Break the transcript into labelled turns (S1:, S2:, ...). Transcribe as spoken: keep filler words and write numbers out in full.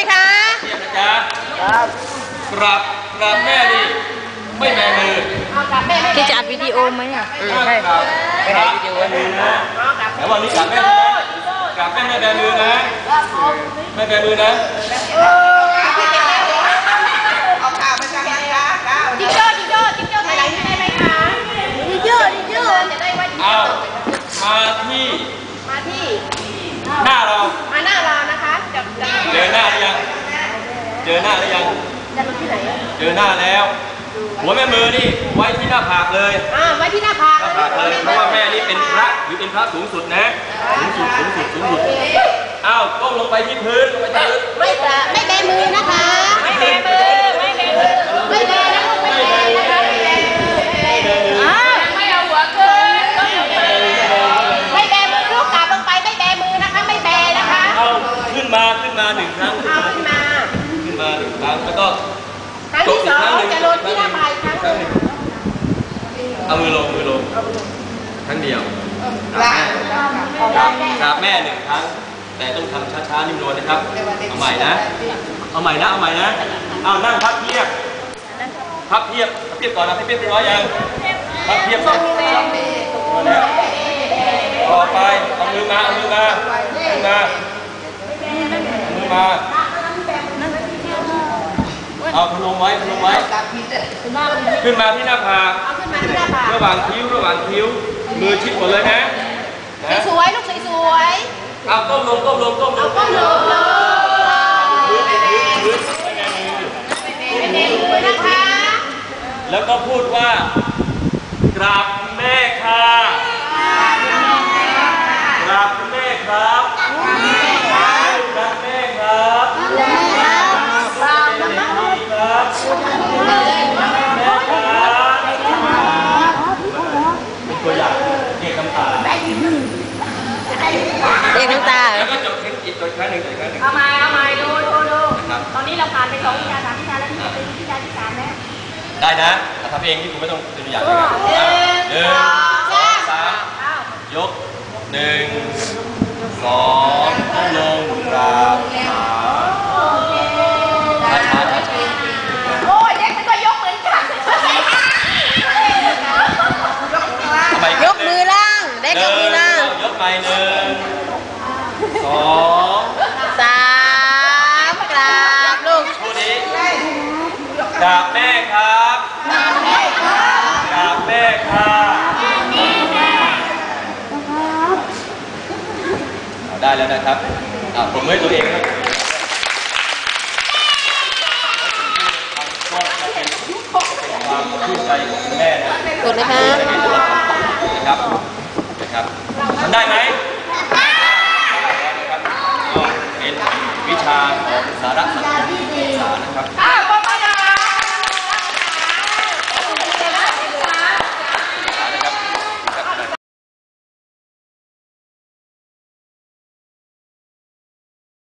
S1: คะ
S2: เทียบนะจ๊ะครับกราบกราบแม่ดิไม่แบมือ
S1: ที่จะอัดวิดีโอไหมอ่ะ
S2: ใช่ครับไม่ถ่ายวิดีโอมือนะแต่วันนี้กราบแม่กราบแม่ไม่แบมือนะไม่แบมือนะ
S3: เอาข่าวมาจากไหนคะจิ๊กโจ้จิ๊กโจ้จิ๊กโจ้ไหนได้ไหมคะจิ๊กโจ้จิ๊กโจ้จะได้ว่า
S2: เอามาที่
S3: มาที่
S2: หน้าเรา
S3: มาหน้าเรานะคะ
S2: เจอหน้าหรือยังเจอหน้าหรือยัง
S3: จะมาที่ไหน
S2: เจอหน้าแล้วหัวแม่มือนี่ไว้ที่หน้าผากเลย
S3: อ่าไว้ที่หน้าผาก
S2: หน้าผากเลยเพราะว่าแม่นี่เป็นพระหรือเป็นพระสูงสุดนะสูงสุดสูงสุดสูงสุดอ้าวก้มลงไปที่พื้นลงไปที่พื้น
S3: ไม่แตะไม่แบมือนะคะไม่แบมือไม่แบมือไม่แบนะไม่แบนะคะไม่แบอ่าไม่เอาหัวขึ้นไม่แบมือลูกกลับลงไปไม่แบมือนะคะไม่แบนะคะ
S2: เอาขึ้นมาขึ้นมาหนึ่งครั้ง
S3: เอาขึ้นมา
S2: ขึ้นมาหนึ่งครั้งแล้วก็
S3: ครั้งที่สองจะลดที่หน้าผากครั้งหนึ่ง
S2: เอามือลงมือลงครั้งเดียวกราบแม่หนึ่งครั้งแต่ต้องทำช้าๆนิ่มนวลนะครับเอาใหม่นะเอาใหม่นะเอาใหม่นะเอานั่งพับเพียบพับเพียบพับเพียบก่อนนะพับเพียบเป็นร้อยยังพับเพียบก่อนต่อไปเอามือมาเอามือมามือมามือมาเอาพนมไว้พนมไว้ขึ้นมาที่หน้าผากระหว่างคิ้วระหว่างคิ้วมือชิดหมดเลยนะ
S3: สวยลูกสวย
S2: เอาก้มลงก้มลงก้มลง
S3: ก้มลง
S2: มือมือมือ
S3: มือนะคะ
S2: แล้วก็พูดว่ากราบแม่ค่ะกราบแม่ครับกราบแม่ครับกราบแม่ครับตัวอย่างเด็กน้ำตา
S1: เด็กน้ำตา
S2: แล้วก็จบเทคนิคตัวครั้งหนึ่งตัวครั้งหนึ่ง
S3: เอาใหม่เอาใหม่ดูดูดูตอนนี้เราผ่านไปสองวิชาสามวิชาแล้วนี่เป็นวิชาที่สามแล้ว
S2: ได้นะทำเองที่คุณไม่ต้องเป็นตัวอย่างนะครับหนึ่งสองสามยกหนึ่งสองลงกราบช้าช้าช้าช้า
S3: โอ้ยเด็กมันก็ยกเหมือนกัน
S1: ยกมือล่างเด็กยกมือล่าง
S2: ยกไปหนึ่งสอง
S1: สามกราบลูก
S2: พูดนี้กราบแม่ครับกราบแม่ครับกราบแม่ครับได้แล้วนะครับผมให้ตัวเองครับก็จะเป็นความชื่นใจของคุณแม่นะ
S1: กดนะคะ
S2: นะครับนะครับทำได้ไหมนะครับก็เป็นวิชาของสาระสังคมศึกษานะครับ